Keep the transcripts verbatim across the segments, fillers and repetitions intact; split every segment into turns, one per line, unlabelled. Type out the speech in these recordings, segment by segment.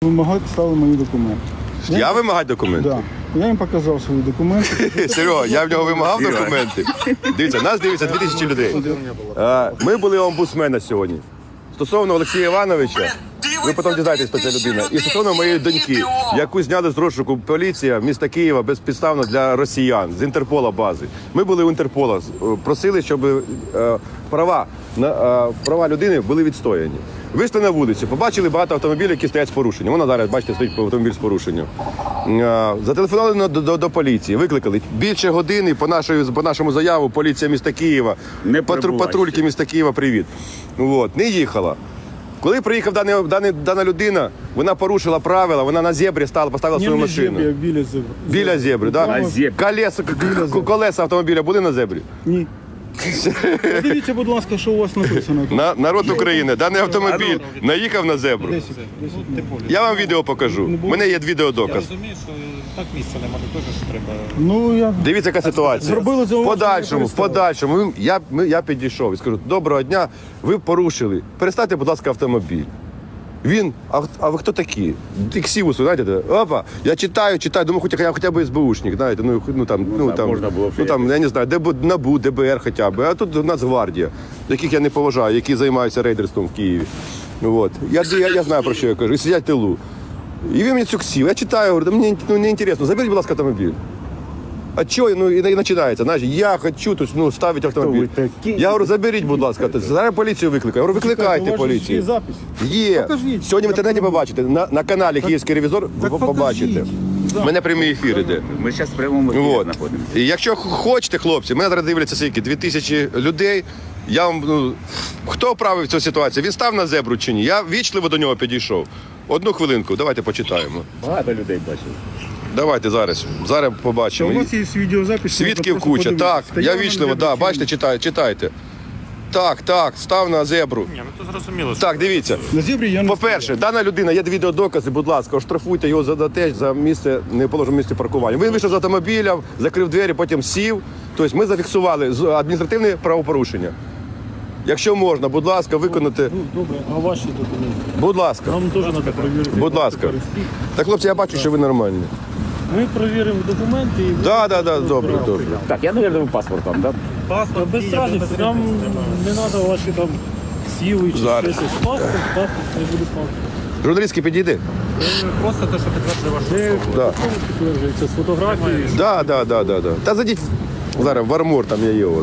Вимагати стали мої документи.
Я вимагати документи?
Да. Я їм показав свої документи.
Серега, я в нього вимагав документи. Дивіться, нас дивиться дві тисячі людей. А, Ми були у омбудсмена сьогодні. Стосовно Олексія Івановича, ви потім дізнаєтесь, хто ця людина. І стосовно моєї доньки, яку зняли з розшуку поліція міста Києва безпідставно для росіян з Інтерпола бази. Ми були у Інтерпола, просили, щоб е, права, на, е, права людини були відстояні. Вийшли на вулицю, побачили багато автомобілів, які стоять з порушенням. Вона зараз, бачите, стоїть автомобіль з порушенням. Е, Зателефонували до, до, до поліції, викликали. Більше години по, нашої, по нашому заяву поліція міста Києва, патру, патрульки міста Києва, привіт. От, не їхала. Коли приїхав дана, дана, дана людина, вона порушила правила, вона на зебрі стала, поставила свою машину.
Зебрі, біля зебри.
Біля зебри, так?
На зебрі.
Колеса, колеса автомобіля були на зебрі?
Ні. Подивіться, будь ласка, що у вас написано.
На, народ України, даний автомобіль наїхав на зебру.
десять, десять.
Я вам відео покажу. У мене є відеодоказ.
Розумію, що так місця немає, теж що треба.
Ну, я...
Дивіться, яка ситуація.
Зробили
В
зауваження,
подальшому, в
перестали.
подальшому, ми- я, ми- я підійшов і скажу, доброго дня, ви порушили. Перестаньте, будь ласка, автомобіль. Він, а, а ви хто такі? Іксівусу, знаєте, опа, я читаю, читаю, думаю, хоча я хоча б СБУшник, знаєте, ну, ну там, ну,
да,
там,
можна було б
ну, там, я не знаю, ДБ, НАБУ, ДБР хоча б, а тут Нацгвардія, яких я не поважаю, які займаються рейдерством в Києві. Вот. Я, я, я знаю, про що я кажу, і сидять в тилу. І він мені цю ксів, я читаю, говорю, мені ну, не інтересно, заберіть, будь ласка, автомобіль. А чого? Ну, і, і починається, знаєш, я хочу тут, ну, ставити автомобіль.
Хто ви такі?
Я говорю, заберіть, будь ласка, зараз поліцію викликаю. Я говорю, викликайте
У вас же ж
поліцію.
є запис.
Є.
Покажіть.
Сьогодні в інтернеті побачите. На, на каналі Київський ревізор ви
так
побачите.
покажіть.
У мене прямий ефір іде.
Ми зараз в прямому ефірі
Вот.
знаходимося.
І якщо хочете, хлопці, мене зараз дивляться скільки, дві тисячі людей. Я вам, ну, хто правив цю ситуацію? Він став на зебру чи ні? Я вічливо до нього підійшов. Одну хвилинку, давайте почитаємо.
Багато людей бачили.
Давайте зараз. Зараз
Та
побачимо.
у вас є відеозапис.
Свідків
можна
куча.
просто
Так,
подивитися.
я
вам
вічливо,
не
да,
бачу.
бачите, читайте, читайте. Так, так, став на зебру.
Ні, ну то зрозуміло. що-
Так, дивіться.
На зебрі я не
По-перше, дана людина, є відеодокази, будь ласка, оштрафуйте його за те, за місце, неположене місце паркування. Він вийшов з автомобіля, закрив двері, потім сів. Тобто ми зафіксували з- адміністративне правопорушення. Якщо можна, будь ласка, виконати.
Ну, добре, а ваші документи?
Будь ласка,
Нам теж треба перевірити.
будь ласка. Так, хлопці, я бачу, що ви нормальні.
Ми перевіримо документи і...
Так, так, так, добре, добре.
Так, я, мабуть, паспорт там, так?
Паспорт, без разниці, нам не треба ваші там сіли чи
Зараз.
щось. Паспорт, паспорт, не буде паспорт.
Журналістський підійди.
Просто те, що підтверджує вашу особу.
Да.
Підтверджується з фотографією.
Да, да, да, да, да. Та зайдіть зараз в армор, там я є у вас.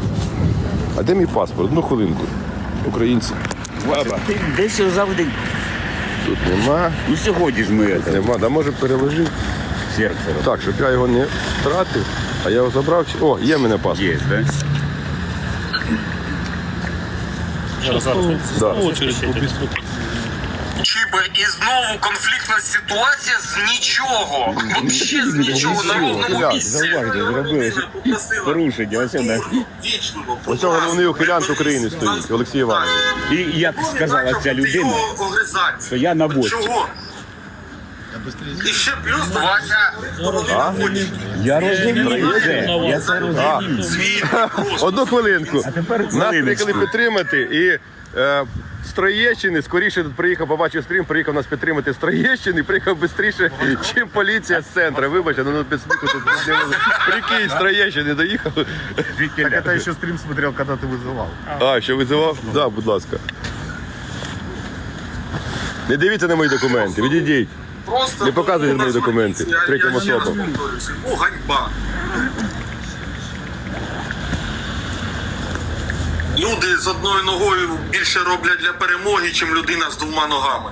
А де мій паспорт? Ну, хвилинку. Українці.
Ти десь його завжди.
Тут нема,
Ну сьогодні ж ми це,
нема. Да може переложи.
серце
Так, щоб я його не втратив, а я його забрав. чи- О, є в мене паспорт.
є, так?
Зараз, зараз.
Да.
Чіби, і знову конфліктна ситуація з нічого. Вообще з нічого на ровному
Так,
місці.
зауважте, зробили
Попросила
порушення. Ось вона.
вічливо.
Ось цього головний ухилянт України стоїть, Олексій Іванович.
І як сказала ця людина, що я на боці.
Чого? І ще плюс Вася.
Я розумію це, я це розумію.
Свій
Одну хвилинку.
тепер
Нас
хвилиночку.
приїхали підтримати і е, з Троєщини, скоріше тут приїхав, побачив стрім, приїхав нас підтримати з Троєщини, приїхав швидше, ніж поліція з центру. Вибачте, ну без сміху тут. Прикинь, з Троєщини доїхав.
Так
Я ще стрім смотрел, коли ти визивав.
А, що визивав? Так, да, будь ласка. Не дивіться на мої документи, відійдіть.
Просто
Не показуйте
ну,
мої документи
я-
третім
я ще раз
особам.
повторюся. Ну, ганьба. Люди з одною ногою більше роблять для перемоги, ніж людина з двома ногами.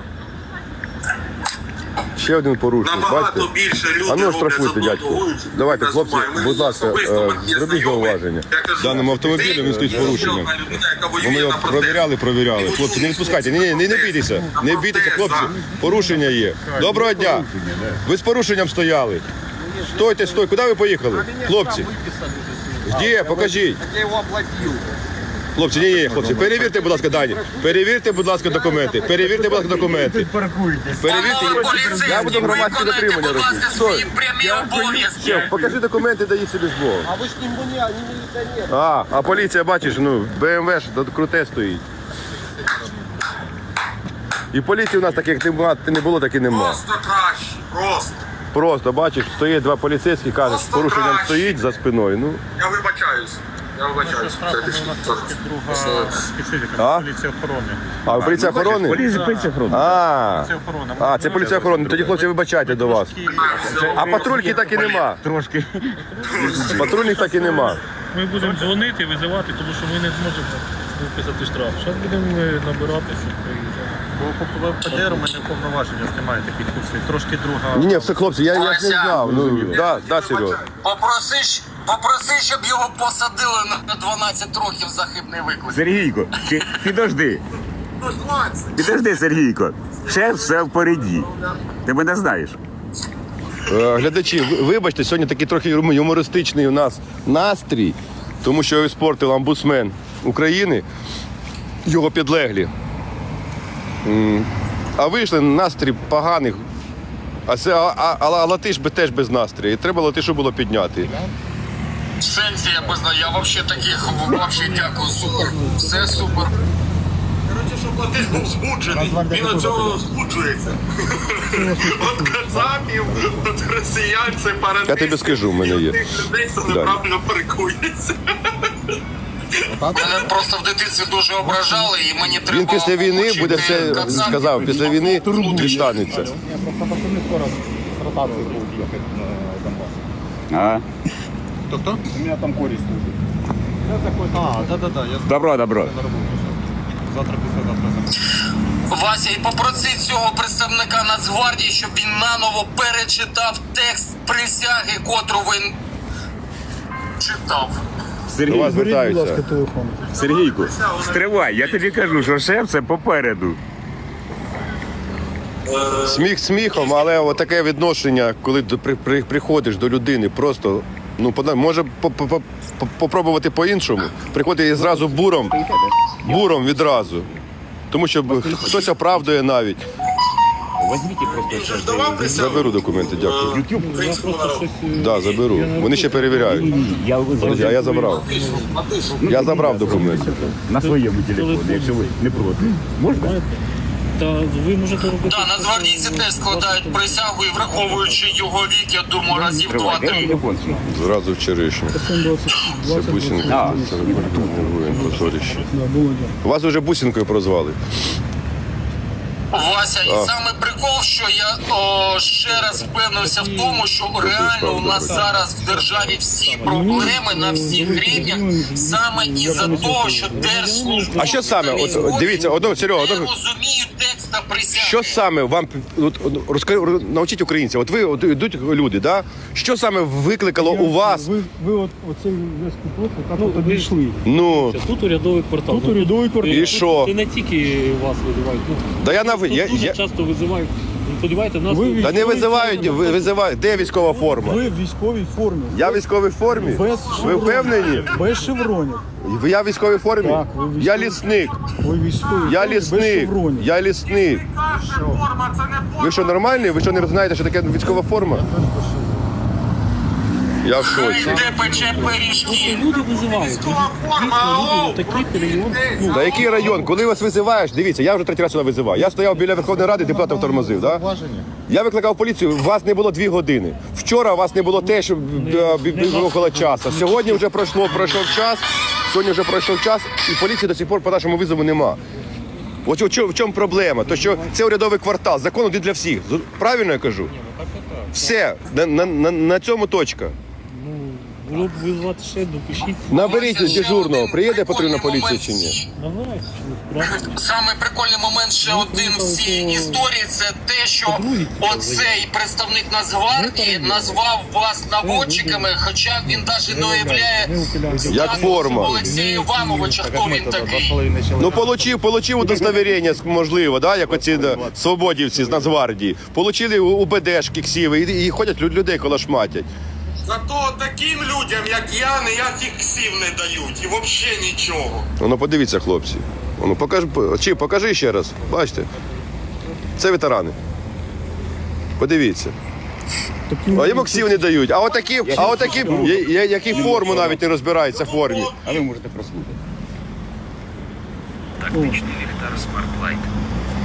Ще один порушник,
Набагато
бачите?
більше люди
А ну
роблять з
штрафуйте,
одною
дядьку.
ногою, ніж
Давайте,
людина з
хлопці,
двома. Мене
будь ласка,
особисто,
е,
мене є
зробіть
знайомий.
зауваження.
Я кажу,
Даному автомобілю
ти
він стоїть з
ще
порушенням.
одна людина, яка
Бо
воює
ми його
на протесті.
провіряли, провіряли. Хлопці, не відпускайте. Ні, ні, не, не бійтеся. Не бійтеся, хлопці. Порушення є. Доброго дня. Ви з порушенням стояли. Стойте, стой. Куди ви поїхали? Хлопці. Де? Покажіть.
Я його оплатив.
Хлопці, ні, ні, хлопці, перевірте, будь ласка, дані. Перевірте, будь ласка, документи. Перевірте, будь ласка, документи. Перевірте. Я буду громадське дотримання робити. Стой.
прямі обов'язки.
Шеф, покажи документи, дають собі з Богом.
А ви ж не мені, а не міліціонер.
А, а поліція, бачиш, ну, БМВ ж тут круте стоїть. І поліції у нас таких нема, не було, так і нема.
Просто краще, просто.
Просто, бачиш, стоїть два поліцейські, кажуть, з
Просто
порушенням
краще.
стоїть за спиною. Ну,
Я вибачаюсь. Я вибачаюсь. Це
Насправді
більше
у нас
цього.
трошки друга специфіка.
А?
Поліція охорони.
а поліція охорони?
Поліція, поліція охорони.
А,
Поліція охорони.
а, це поліція охорони. Тоді, хлопці, вибачайте до вас. А патрульки так і нема.
Трошки.
Патрульних так і нема.
Ми будемо дзвонити, визивати, тому що ми не зможемо виписати штраф. Зараз будемо набирати, щоб приїжджати.
Бо по ПДР у мене повноваження немає таких функцій. Трошки друга.
Ні, ні, все, хлопці, я, я ж не знав. Ну, да, да, Серега.
Попроси, щ- попроси, щоб його посадили на дванадцять років за хибний виклик.
Сергійко, ти- підожди. Підожди, Сергійко. Шеф все впереді. Ти мене знаєш.
Е, Глядачі, ви- вибачте, сьогодні такий трохи юмористичний у нас настрій, тому що його спортив омбудсмен України, його підлеглі. М, А вийшли настрій поганий. А, це, а, а, а, а латиш би теж без настрою. І треба латишу було підняти.
В сенсі я без я вообще таких вообще дякую, супер. Все супер. Коротше, щоб латиш був збуджений. Він від цього збуджується. От кацапів, от росіян, це парадис.
Я тобі скажу, в мене є.
Тих людей, це неправильно паркується. Мене просто в дитинстві дуже ображали, і мені треба...
Він після війни буде все,
Кацапів.
сказав, після війни дістанеться.
А?
Хто-хто?
У меня там корень служит.
А, да-да-да, я
Добро, добро.
на роботу. Завтра, післязавтра.
Вася, і попроси цього представника Нацгвардії, щоб він наново перечитав текст присяги, котру він читав.
До
Сергій,
вас звертаються.
Сергійку, стривай, я тобі кажу, що шеф це попереду.
Сміх сміхом, але таке відношення, коли до- при, при, приходиш до людини, просто ну пода- може по- по- по- по- попробувати по-іншому. Приходить і зразу буром, буром відразу. Тому що б- хтось оправдує навіть. Заберу документи, дякую.
Я просто щось... е,
Да, заберу. Вони ще перевіряють.
Я
Я, я забрав. Я забрав документи.
на своєму телефоні, якщо ви не проти. Можна?
Та ви можете робити...
Так, нацгвардійці теж складають присягу і враховуючи його вік, я думаю, разів
Тривай, де
два-три.
телефон?
Зразу вчорашній. Це бусинка.
А.
Це воїн, позорище. Вас вже бусинкою прозвали.
Вася, і саме прикол, що я о, ще раз впевнився в тому, що реально у нас зараз в державі всі проблеми на всіх рівнях саме із-за того, що держслужба...
А що саме? От, дивіться, одно, Серега,
не
одно,
розуміють текста присяги.
що саме вам от, от, розкажи, навчіть українців? От ви от, йдуть люди, да? Що саме викликало у вас?
Ви, ви от, оцей весь куток, як
Ну,
от
ви-
обійшли.
Ну,
Тут урядовий квартал.
Тут урядовий квартал.
І
Тут
що?
Це не тільки вас визивають. Ну,
да я на
тут
я,
дуже
я,
часто визивають. Ви подивайте, нас...
Ви
тут-
та не визивають, ви- визивають. Де військова форма?
Ви в військовій формі.
Я в військовій формі?
Без
Ви
шевронів.
впевнені?
Без шевронів.
Я в військовій формі?
Так, ви військові.
Я лісник.
Ви військові
Я
формі без
лісник.
шевронів.
Я лісник.
Форма, це не форма.
Ви що, нормальні? Ви що не знаєте, що таке військова форма? Я в шоці.
Де пече пиріжки?
Люди визивають.
Військова форма, ау!
Такий район. Ну,
Та який район? Коли вас визиваєш, дивіться, я вже третій раз сюди визиваю. Я стояв біля Верховної Ради, депутатів тормозив. Да? Я викликав поліцію, вас не було дві години. Вчора вас не було те, що було около часу. Сьогодні вже пройшло, пройшов час, сьогодні вже пройшов час, і поліції до сих пор по нашому визову нема. От в чому, в чому проблема? То що це урядовий квартал, закон один для всіх. З- Правильно я кажу? Все, на, на, на, на цьому точка.
було б визвати ще, допишіть.
Наберіть
Вася, ще
дежурного,
один
приїде патрульна
прикольний
поліція
момент
чи ні?
всі-
Давай. Ну, правда.
Саме прикольний момент ще один в цій історії це те, що оцей представник Нацгвардії назвав вас наводчиками, хоча він навіть не уявляє
Як форма.
Олексія Івановича, хто він такий.
Ну, получив, получив удостовірення, можливо, да, як оці да, свободівці з Нацгвардії. Получили у- УБДшки ксіви і, і ходять люд- людей колошматять.
Зато таким людям, як я, ніяких ксів не дають і взагалі нічого.
Ну, подивіться, хлопці. Ну, покажи, чи, покажи ще раз. Бачите? Це ветерани. Подивіться. А йому ксів не дають. А отакі, а отакі, я- я- які форму навіть не розбираються в формі.
А ви можете прослухати.
Тактичний ліхтар Smart Light.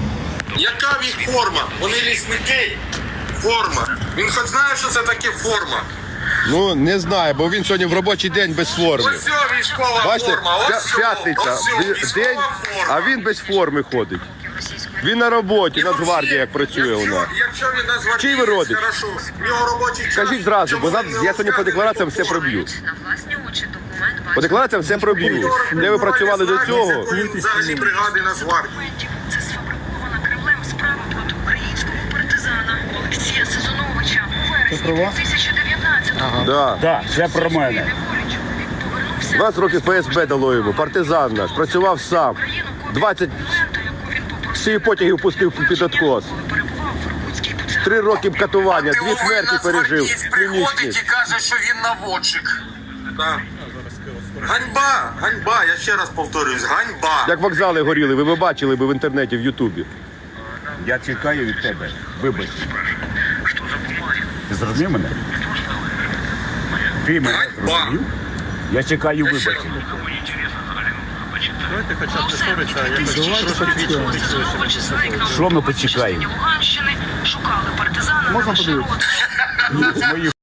Яка в їх форма? Вони лісники. Форма. Він хоч знає, що це таке форма.
Ну, не знаю, бо він сьогодні в робочий день без форми.
Ось ця військова
Бачите,
форма. Ось
п'я-
ця,
п'ятниця,
ось ця
в-
військова
день,
форма.
а він без форми ходить. Він на роботі, Нацгвардія як працює у нас.
Якщо він Нацгвардієць,
Чий ви родич?
хорошо. В нього робочий час.
Скажіть зразу, бо
Чому
нам-
він
я
не
сьогодні по
розказує
деклараціям
по
все
формі?
проб'ю.
На власні очі документ
По
бачить
деклараціям все проб'ю. Де ви працювали до цього?
Він взагалі бригади Нацгвардії.
документів. Це сфабрикована Кремлем справа проти українського партизана Олексія Сезоновича у вересні
про вас?
дві тисячі дев'ятнадцятого.
Да.
Так, це про мене.
Неволіч повернувся
двадцять років Ф С Б дало йому, партизан наш, працював сам. двадцять всі потягів пустив під откос. Три роки катування, дві смерті пережив.
Нацгвардієць приходить
Клінічні.
і каже, що він наводчик. Так. Ганьба, ганьба, я ще раз повторююсь, ганьба.
Як вокзали горіли, ви б бачили б в інтернеті, в Ютубі.
Я чекаю від тебе. Вибач. Ти зрозумів мене? Ти мене
Ганьба.
зрозумів? Я чекаю
Я ще раз
вибачення.
Давайте хоча б не ссориться, а якось трошки
Що ми почекаємо?
Луганщини шукали партизана
Можна
на
подивитися?
маршрут.
Мої